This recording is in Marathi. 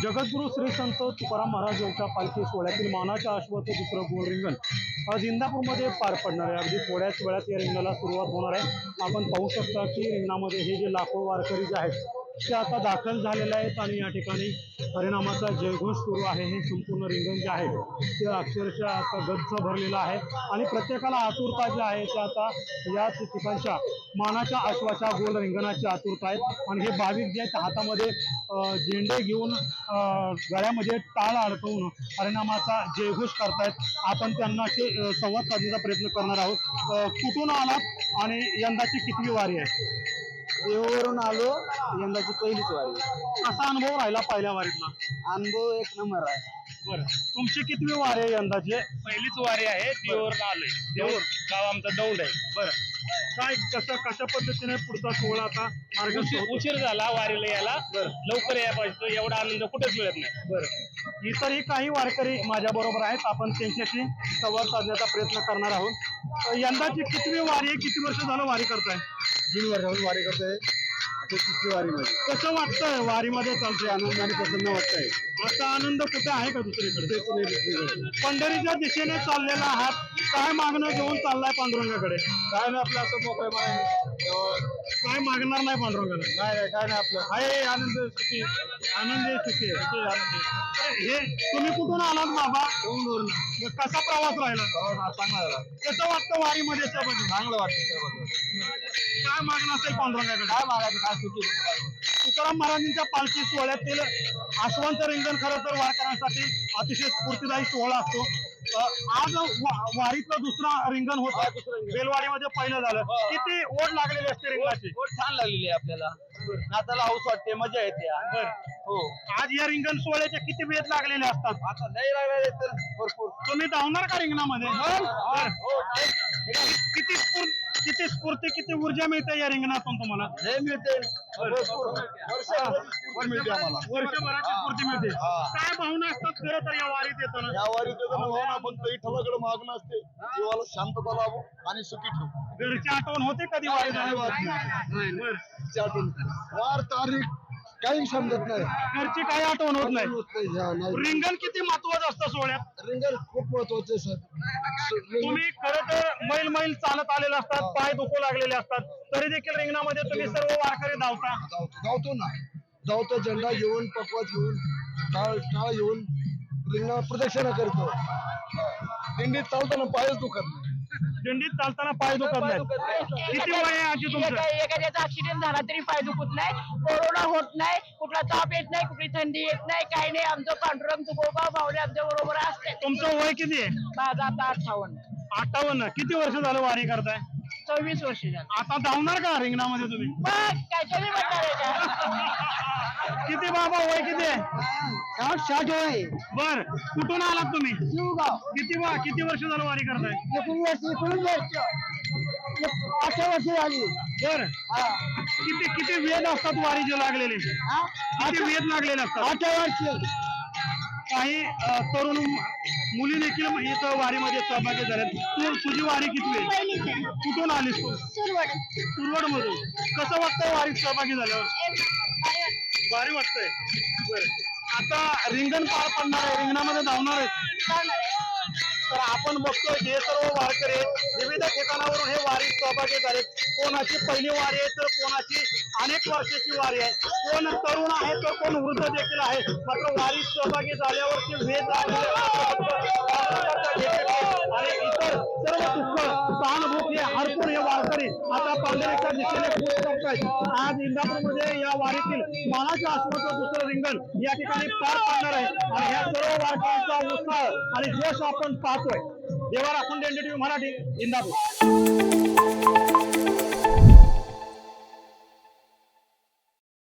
जगद्गुरू श्री संत तुकाराम महाराज यांच्या पालखी सोहळ्यातील मानाच्या अश्वाचं दुसरं गोल रिंगण आज इंदापूरमध्ये पार पडणार आहे. अगदी थोड्याच वेळात या रिंगणाला सुरुवात होणार आहे. आपण पाहू शकता की रिंगणामध्ये हे जे लाखो वारकरी जे आहेत ते आता दाखल झालेले आहेत आणि या ठिकाणी हरिनामाचा जयघोष सुरू आहे. हे संपूर्ण रिंगण जे आहे ते अक्षरशः आता गच्च भरलेलं आहे आणि प्रत्येकाला आतुरता जी आहे ते आता या ठिकाणच्या मानाच्या अश्वाच्या गोल रिंगणाची आतुरता आहे. आणि हे भाविक जे आहेत हातामध्ये झेंडे घेऊन गळ्यामध्ये टाळ अडकवून हरिनामाचा जयघोष करतायत. आपण त्यांना संवाद साधण्याचा प्रयत्न करणार आहोत. कुठून आलात आणि यंदाची कितवी वारी आहे? देवावरून आलो, यंदाची पहिलीच वारी. कसा अनुभव राहिला पहिल्या वारीतला? अनुभव एक नंबर आहे. बरं, तुमची कितवी वारी आहे यंदाची? पहिलीच वारी आहे. देऊर आलोय. देऊर गाव आमचं दौंड आहे. बरं, काय कशा पद्धतीने पुढचा सोहळा आता मार्ग उशीर झाला वारीला यायला. लवकर यायला पाहिजे. एवढा आनंद कुठेच मिळत नाही. बरं, इतरही काही वारकरी माझ्या बरोबर आहेत. आपण त्यांच्याशी संवाद साधण्याचा प्रयत्न करणार आहोत. यंदाची कितवी वारी आहे? किती वर्ष झालं वारी करताय? 3 वर्षाहून वारी करतोय. आता 3री वारी मध्ये कसं वाटतंय वारीमध्ये चालतंय? आनंदाने प्रसन्न वाटतंय. असा आनंद कुठे आहे का दुसरीकडे? पंढरीच्या दिशेने चाललेला आहात, काय मागणं घेऊन चाललाय पांडुरंगाकडे? काय नाही आपलं असं मोकळं काय मागणार नाही पांडुरंगाला? नाही काय नाही आपलं आहे आनंद सुखी. आनंदी सुखी हे तुम्ही कुठून आलात बाबा? दौंडवरून. कसा प्रवास राहिला? चांगला झाला. कसं वाटतं वारीमध्ये सहभागी? चांगलं वाटतं. काय मागणं असेल पांडुरंगाकडे? काय मागायचं काय सुखी. तुकाराम महाराजांच्या पालखी सोहळ्यातील आश्वांत रिंगण खरं तर वारकऱ्यांसाठी अतिशय स्फूर्तिदायी सोहळा असतो. आज वारीतलं दुसरा रिंगण होतं. बेलवाडीमध्ये पहिलं झालं. किती ओढ लागलेली असते रिंगणाची? छान लागलेली आहे आपल्याला. नाताला हौस वाटते, मजा येते. हो, आज या रिंगण सोहळ्याचे किती वेध लागलेले असतात? आता नाही लागले तर भरपूर. तुम्ही धावणार का रिंगणामध्ये? हो, किती स्फूर्ती, किती ऊर्जा मिळते या रिंगणातून तुम्हाला? लय मिळते. भरपूर मिळते आम्हाला. वर्षभराची स्फूर्ती मिळते. काय भावना असतात खरं तर या वारीत येताना? या वारीत भावना फक्त विठ्ठलाकडे मागणं असते. जीवाला शांतता लाभो आणि सुखी ठेवू. घरची आठवण होते कधी वारी झाल्यावर? वार तारीख काही समजत नाही. घरची काही आठवण होत नाही. रिंगण किती महत्वाचं असतं सोहळ्यात? रिंगण खूप महत्वाचे सर. तुम्ही खरं तर मैल चालत आलेले असतात, पाय दुखू लागलेले असतात, तरी देखील रिंगणामध्ये तुम्ही सर्व वारकरी धावतो ना. धावतो, झेंडा घेऊन, पकवाज घेऊन, टाळ घेऊन रिंगणा प्रदक्षिणा करतो. दिंडीत चालताना पायच दुखत नाही. दिंडीत चालताना पाय दुखत नाही. किती वय आहे आजी तुमचं? एखाद्याचा ऍक्सिडेंट झाला तरी पाय दुखत नाही, कोरोना होत नाही, कुठला ताप येत नाही, कुठली थंडी येत नाही, काही नाही. आमचं पांडुरंग तुकोबा भावले आमच्या बरोबर असते. तुमचं वय किती आहे? माझं आता 58. 58. किती वर्ष झालं वारी करताय? 26 वर्ष झाली. आता धावणार का रिंगणामध्ये तुम्ही? मग काय कमी म्हणणार आहे का? किती बाबा वय किती आहे? 60 वय. बर, कुठून आलात तुम्ही? शिवगाव. किती वर्ष झालं वारी करताय? 19 वर्ष. 8 वर्ष झाली. बर, किती वेद असतात वारीचे लागलेले? किती वेद लागलेले असतात? 8 वर्ष. काही तरुण मुली देखील इथं वारीमध्ये सहभागी झाल्यात. तुझी वारी किती आहे? कुठून आलीस तू? सुरवड मधून. कसं वाटतंय वारीत सहभागी झाल्यावर? भारी वाटतंय. बरं, आता रिंगण पार पडणार आहे, रिंगणामध्ये धावणार आहे. तर आपण बघतोय हे सर्व वारकरी विविध ठिकाणावरून हे वारीत सहभागी झालेत. कोणाची पहिली वारी आहे तर कोणाची अनेक वर्षाची वारी आहे. कोण तरुण आहे तर कोण वृद्ध देखील आहे. मात्र वारीत सहभागी झाल्यावरती वेद आणि इतर सर्व दुःख सहानुभूत हे हरपून हे वारकरी आता पंढरीच्या दिशेने कूच करतायत. आज इंदापूरमध्ये या वारीतील मानाच्या आश्वाचं दुसरं रिंगण या ठिकाणी पार पडणार आहे आणि ह्या सर्व वारकऱ्यांचा उत्साह आणि जोश आपण पाहतोय. देवा राखून दे, NDTV मराठी, इंदापूर.